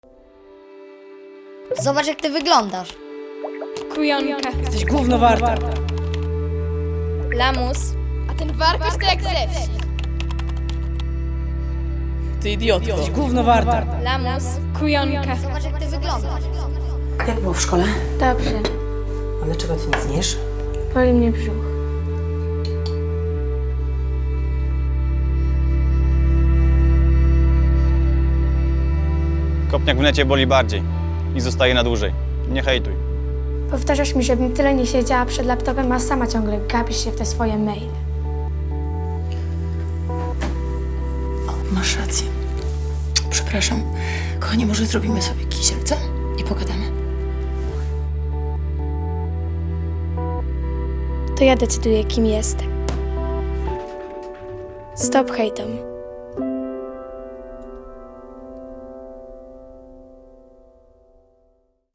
Zobacz, jak ty wyglądasz. Kujonka. Jesteś gówno warta. Lamus. A ten warkosz to jak ze wsi. Ty idiotko. Jesteś gówno warta. Lamus. Kujonka. Zobacz, jak ty wyglądasz. Jak było w szkole? Dobrze. A dlaczego ty nic nie jesz? Boli mnie brzuch. Kopniak w necie boli bardziej i zostaje na dłużej. Nie hejtuj. Powtarzasz mi, żebym tyle nie siedziała przed laptopem, a sama ciągle gapisz się w te swoje maile. Masz rację. Przepraszam. Kochanie, może zrobimy sobie kisiel, co? I pogadamy. To ja decyduję, kim jestem. Stop hejtom.